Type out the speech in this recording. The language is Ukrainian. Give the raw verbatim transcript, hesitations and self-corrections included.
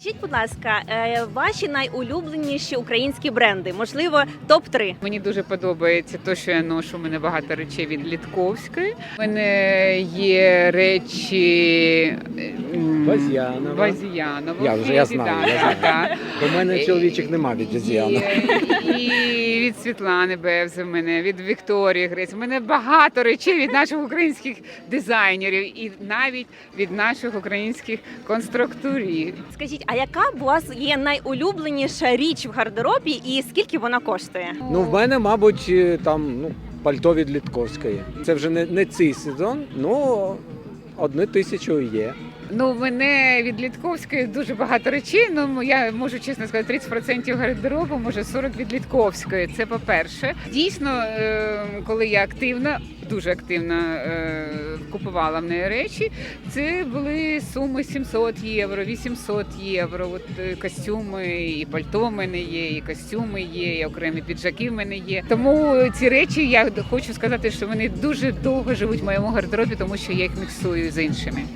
Скажіть, будь ласка, е, ваші найулюбленіші українські бренди, можливо, топ три. Мені дуже подобається те, що я ношу. У мене багато речей від Літковської. У мене є речі м, Базіанова. Базіанова. Я вже я знаю, Да, я знаю. да. У мене чоловічих нема від Дезіана. І, і від Світлани Бевзи, в мене, від Вікторії Грець. У мене багато речей від наших українських дизайнерів і навіть від наших українських конструкторів. Скажіть, а яка у вас є найулюбленіша річ в гардеробі і скільки вона коштує? Ну, в мене, мабуть, е, там ну, пальто від Літковської. Це вже не, не цей сезон, ну одну тисячу є. Ну, в мене від Літковської дуже багато речей. Ну, я можу чесно сказати, тридцять відсотків гардеробу, може сорок відсотків від Літковської. Це по-перше. Дійсно, е, коли я активно, дуже активно е, купувала в неї речі, це були суми сімсот євро, вісімсот євро. От е, костюми, і пальто в мене є, і костюми є, і окремі піджаки в мене є. Тому ці речі, я хочу сказати, що вони дуже довго живуть в моєму гардеробі, тому що я їх міксую з іншими.